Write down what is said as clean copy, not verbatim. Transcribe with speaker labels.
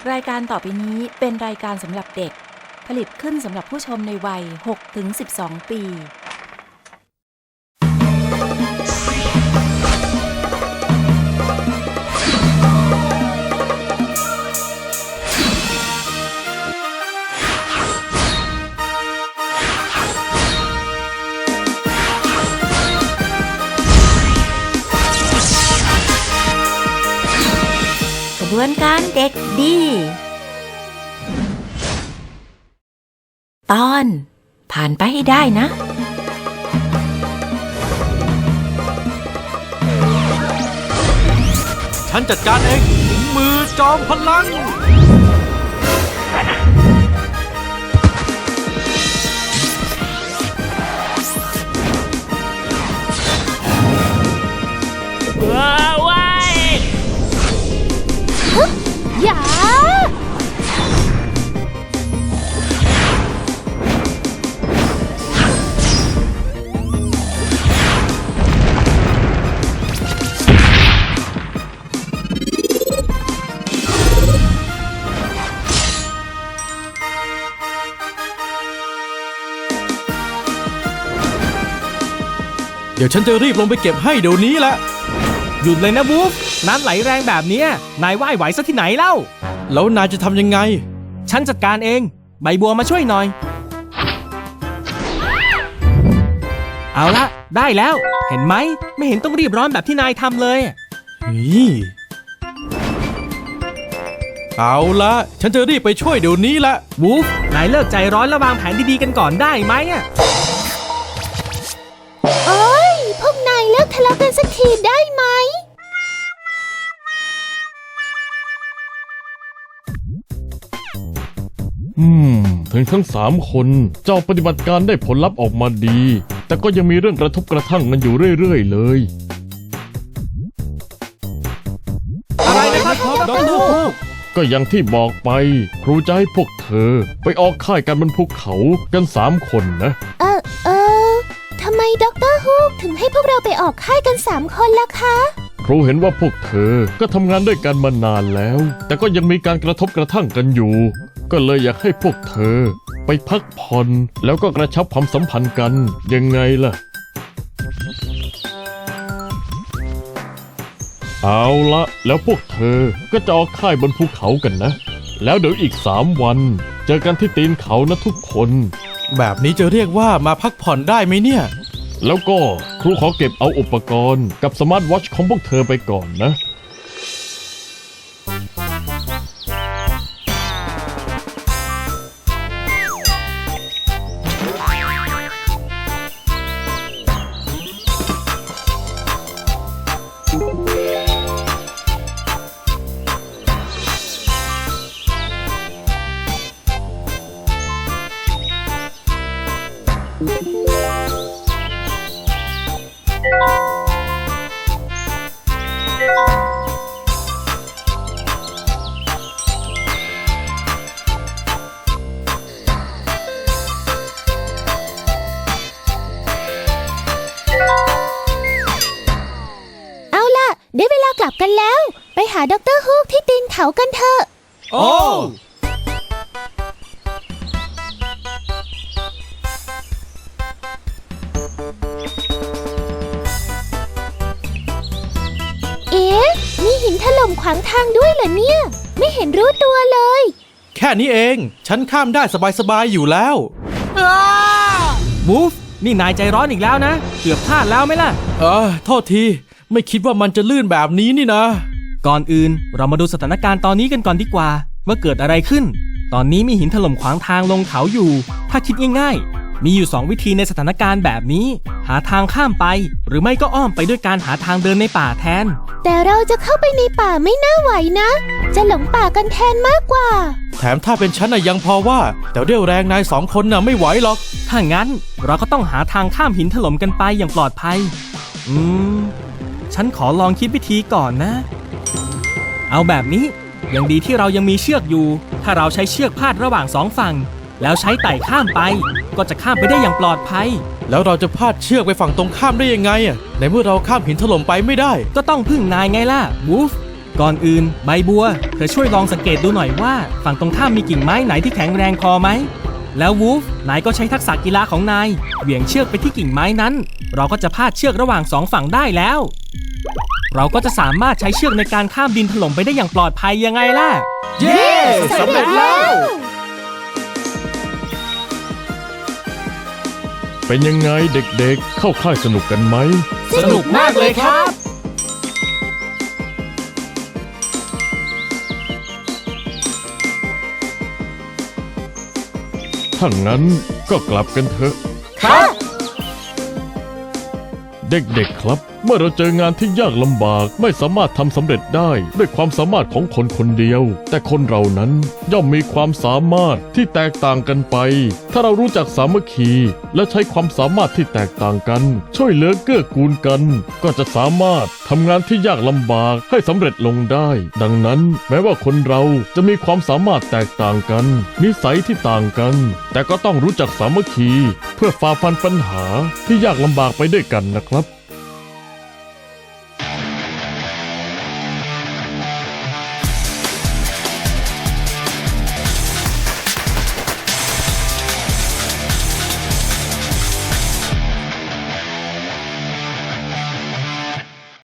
Speaker 1: รายการต่อไปนี้เป็นรายการสำหรับเด็กผลิตขึ้นสำหรับผู้ชมในวัย 6-12 ปีกระบวนการเด็กดีตอนผ่านไปให้ได้นะ
Speaker 2: ฉันจัดการเองถึงมือจอมพลัง
Speaker 3: ว้าย
Speaker 4: อย่า
Speaker 2: เดี๋ยวฉันจะรีบลงไปเก็บให้เดี๋ยวนี้แหละ
Speaker 3: หยุดเลยนะวูฟน้ำไหลแรงแบบนี้นายว่ายไหวซะที่ไหนเล่า
Speaker 2: แล้วนายจะทำยังไง
Speaker 3: ฉันจัดการเองใบบัวมาช่วยหน่อยเอาละได้แล้วเห็นไหมไม่เห็นต้องรีบร้อนแบบที่นายทำเลย
Speaker 2: เอาละฉันจะรีบไปช่วยเดี๋ยวนี้ละ
Speaker 3: วูฟนายเลิกใจร้อนแล้ววางแผนดีๆกันก่อนได้ไหม
Speaker 4: โอ้ยพวกนายเลิกทะเลาะกันสักทีได้ไหม
Speaker 5: ถึงทั้ง3 คนเจ้าปฏิบัติการได้ผลลัพธ์ออกมาดีแต่ก็ยังมีเรื่องกระทบกระทั่งกันอยู่เรื่อยๆเลย
Speaker 3: อะไรนะครับดร.ฮูก
Speaker 5: ก็อย่างที่บอกไปครูจะให้พวกเธอไปออกค่ายกันบนภูเขากัน3 คนนะ
Speaker 4: ทำไมดร.ฮูกถึงให้พวกเราไปออกค่ายกัน3 คนล่ะคะ
Speaker 5: ครูเห็นว่าพวกเธอก็ทำงานด้วยกันมานานแล้วแต่ก็ยังมีการกระทบกระทั่งกันอยู่ก็เลยอยากให้พวกเธอไปพักผ่อนแล้วก็กระชับความสัมพันธ์กันยังไงล่ะเอาละแล้วพวกเธอก็จะออกค่ายบนภูเขากันนะแล้วเดี๋ยวอีก3 วันเจอกันที่ตีนเขานะทุกคน
Speaker 2: แบบนี้จะเรียกว่ามาพักผ่อนได้ไหมเนี่ย
Speaker 5: แล้วก็ครูขอเก็บเอาอุปกรณ์กับสมาร์ทวอทช์ของพวกเธอไปก่อนนะ
Speaker 4: ได้เวลากลับกันแล้วไปหาดร.ฮูกที่ตีนเขากันเถอะ
Speaker 3: โอ้
Speaker 4: เอ๊ะมีหินถล่มขวางทางด้วยเหรอเนี่ยไม่เห็นรู้ตัวเลย
Speaker 2: แค่นี้เองฉันข้ามได้สบายๆอยู่แล้ว
Speaker 3: วูฟนี่นายใจร้อนอีกแล้วนะเกือบพลาดแล้วไหมล่ะ
Speaker 2: โทษทีไม่คิดว่ามันจะลื่นแบบนี้นี่นะ
Speaker 3: ก่อนอื่นเรามาดูสถานการณ์ตอนนี้กันก่อนดีกว่าว่าเกิดอะไรขึ้นตอนนี้มีหินถล่มขวางทางลงเขาอยู่ถ้าคิดง่ายๆมีอยู่2 วิธีในสถานการณ์แบบนี้หาทางข้ามไปหรือไม่ก็อ้อมไปด้วยการหาทางเดินในป่าแทน
Speaker 4: แต่เราจะเข้าไปในป่าไม่น่าไหวนะจะหลงป่ากันแทนมากกว่า
Speaker 2: แถมถ้าเป็นฉันยังพอว่าแต่เรี่ยวแรงนาย2 คนไม่ไหวหรอก
Speaker 3: ถ้างั้นเราก็ต้องหาทางข้ามหินถล่มกันไปอย่างปลอดภัยฉันขอลองคิดวิธีก่อนนะเอาแบบนี้ยังดีที่เรายังมีเชือกอยู่ถ้าเราใช้เชือกพาดระหว่าง2 ฝั่งแล้วใช้ไต่ข้ามไปก็จะข้ามไปได้อย่างปลอดภัย
Speaker 2: แล้วเราจะพาดเชือกไปฝั่งตรงข้ามได้ยังไงในเมื่อเราข้ามหินถล่มไปไม่ได้
Speaker 3: ก็ต้องพึ่งนายไงล่ะวูฟก่อนอื่นใบบัวเธอช่วยลองสังเกตดูหน่อยว่าฝั่งตรงข้ามมีกิ่งไม้ไหนที่แข็งแรงพอไหมแล้ววูฟนายก็ใช้ทักษะกีฬาของนายเหวี่ยงเชือกไปที่กิ่งไม้นั้น เราก็จะพาดเชือกระหว่างสองฝั่งได้แล้ว เราก็จะสามารถใช้เชือกในการข้ามดินถล่มไปได้อย่างปลอดภัยยังไงล่ะ
Speaker 2: เย้สำเร็จแล้ว
Speaker 5: เป็นยังไงเด็กๆ เข้าค่ายสนุกกันไหม
Speaker 2: สนุกมากเลยครับ
Speaker 5: ถ้างั้นก็กลับกันเถอะ
Speaker 2: ครับ
Speaker 5: เด็กๆครับ เมื่อเราเจองานที่ยากลำบากไม่สามารถทำสำเร็จได้ด้วยความสามารถของคนคนเดียว แต่คนเรานั้นย่อมมีความสามารถที่แตกต่างกันไป ถ้าเรารู้จักสามัคคีและใช้ความสามารถที่แตกต่างกัน ช่วยเหลือเกื้อกูลกัน ก็จะสามารถทำงานที่ยากลำบากให้สำเร็จลงได้ ดังนั้นแม้ว่าคนเราจะมีความสามารถแตกต่างกัน นิสัยที่ต่างกัน แต่ก็ต้องรู้จักสามัคคีเพื่อฝ่าฟันปัญหาที่ยากลำบากไปด้วยกันนะครับ